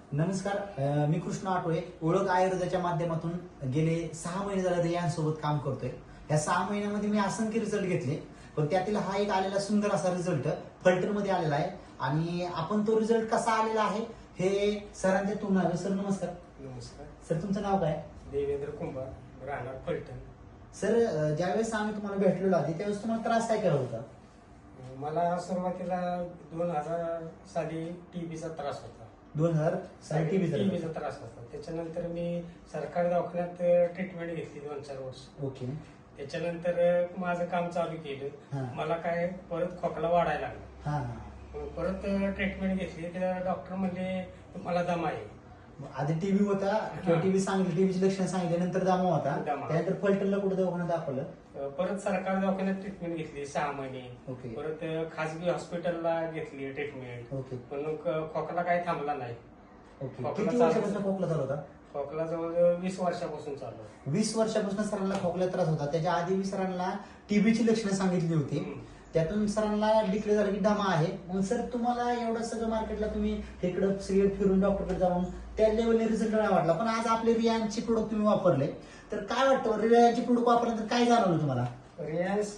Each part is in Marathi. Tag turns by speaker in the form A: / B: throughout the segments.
A: नमस्कार, मी कृष्ण आठवळे. ओळख आयुर्वेदाच्या माध्यमातून गेले 6 महिने झाले रियांसोबत काम करतोय. या 6 महिन्यामध्ये मी असंख्य रिझल्ट घेतले, पण त्यातील हा एक आलेला सुंदर असा रिझल्ट फलटण मध्ये आलेला आहे. आणि आपण तो रिझल्ट कसा आलेला आहे हे सरांच्या तोंडाने. सर नमस्कार.
B: नमस्कार
A: सर तुमचं नाव काय?
B: देवेंद्र कुंभार, राहणार फलटण.
A: सर ज्यावेळेस आम्ही तुम्हाला भेटलेलो आधी त्यावेळेस तुम्हाला त्रास काय करत होता?
B: मला सुरुवातीला 2000 साली टीबीचा त्रास होता.
A: 2000 साली
B: टीबीचा त्रास होता. त्याच्यानंतर मी सरकारी दवाखान्यात ट्रीटमेंट घेतली 2-4 वर्ष.
A: ओके.
B: त्याच्यानंतर माझं काम चालू केलं. मला काय परत खोकला वाढायला लागला. मग परत ट्रीटमेंट घेतली. त्या डॉक्टर म्हणले तुम्हाला दमा आहे.
A: आधी टीबी होता किंवा टीबी सांगितली, टीबीची लक्षणं सांगितली, नंतर दमा होता. त्यानंतर फलटणला कुठे दवाखान्यात दाखवलं?
B: परत सरकारी दवाखान्यात ट्रीटमेंट घेतली 6 महिने.
A: ओके.
B: परत खासगी हॉस्पिटलला घेतली ट्रीटमेंट.
A: ओके.
B: पण खोकला काही थांबला नाही.
A: ओके.
B: खोकला
A: किती वर्षापासून खोकला चालू होता?
B: खोकला जवळजवळ 20 वर्षापासून चालू आहे.
A: 20 वर्षापासून सरांना खोकला त्रास होता. त्याच्या आधी मी सरांना टीबीची लक्षणं सांगितली होती. त्यातून सरांना डिक्लेअर झालं की दमा आहे. मग सर तुम्हाला एवढं सगळं मार्केटला तुम्ही इकडं सगळे फिरून डॉक्टरकडे जाऊन त्या लेवलने रिझल्ट नाही वाटला, पण आज आपले रियांचे प्रोडक्ट तुम्ही वापरले, तर काय वाटतं रियांचे प्रोडक्ट वापरल्यानंतर काय जाणवलं तुम्हाला?
B: रियांस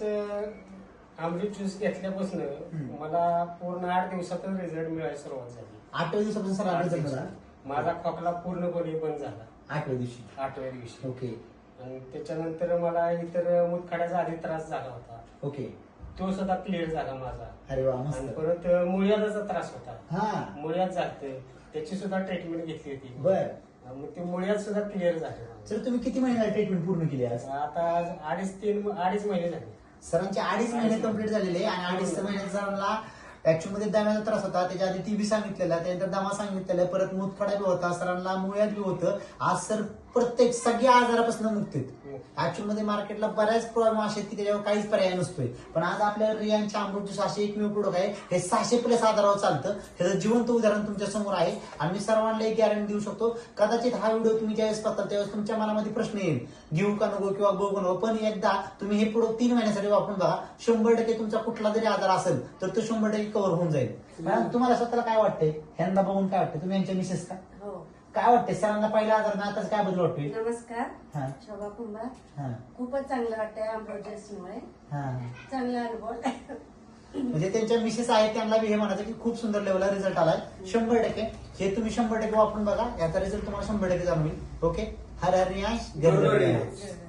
B: अमृत ज्यूस घेतल्यापासून मला पूर्ण 8 दिवसातच रिझल्ट मिळायला सुरुवात झाली.
A: 8व्या दिवसापासून सर रिझल्ट झाला?
B: माझा खोकला पूर्णपणे बंद झाला
A: 8व्या दिवशी.
B: 8व्या दिवशी.
A: ओके.
B: आणि त्याच्यानंतर मला इतर मुतखड्याचा आधी त्रास झाला होता.
A: ओके.
B: तो सुद्धा क्लिअर झाला माझा.
A: अरे वा,
B: आणि
A: मस्त.
B: परत मुळ्याचा त्रास होता.
A: हा,
B: मुळ्यात जाते, त्याची सुद्धा ट्रीटमेंट घेतली होती.
A: बर.
B: मग ते मुळ्यात सुद्धा क्लिअर झाले.
A: सर तुम्ही किती महिन्याला ट्रीटमेंट पूर्ण केली आज?
B: आता 2.5 महिने झाले.
A: सरांचे 2.5 महिने कंप्लीट झालेले आणि 2.5 महिन्यात सरांना ऍक्च्युअल मध्ये दम्याचा त्रास होता. त्याच्या आधी टीबी सांगितलेला, त्यानंतर दमा सांगितलेला, परत मुतखडा बी होता, सरांना मुळ्यात बी होतं. आज सर प्रत्येक सगळ्या आजारापासून मुक्त आहेत. ऍक्च्युअल मध्ये मार्केटला बऱ्याच प्रॉब्लेम असे आहेत की त्याच्यावर काहीच पर्याय नसतोय, पण आज आपल्या रियांच्या अमृत ज्यूस असे एकमेव प्रोडक्ट आहे हे 600+ आजारावर चालतं. त्याचं जिवंत उदाहरण तुमच्या समोर आहे. आणि मी सर्वांना एक गॅरंटी देऊ शकतो, कदाचित हा व्हिडिओ तुम्ही ज्यावेळेस पाहता त्यावेळेस तुमच्या मनामध्ये प्रश्न येईल, घेऊ का नको किंवा गो नको, पण एकदा तुम्ही हे प्रोडक्ट 3 महिन्यासाठी वापरून बघा. 100% तुमचा कुठला जरी आजार असेल तर तो 100% कव्हर होऊन जाईल. मॅडम तुम्हाला स्वतःला काय वाटतंय? ह्यांना बघून काय वाटतं? तुम्ही यांच्या मिसेस का?
C: हो.
A: काय वाटतंय सरांना पहिला आजार ना आताच काय बदल वाटतोय?
C: नमस्कार, शोभा कुंभार. खूपच चांगलं वाटतंय अमृतमुळे. चांगला अनुभव.
A: म्हणजे त्यांच्या मिसेस आहेत त्यांना बी हे म्हणायचं की खूप सुंदर लेवलला रिझल्ट आलाय. 100% हे तुम्ही 100% वापरून बघा, याचा रिझल्ट तुम्हाला 100% जाणवेल. ओके. हर हर रियांश, जय जय रियांश.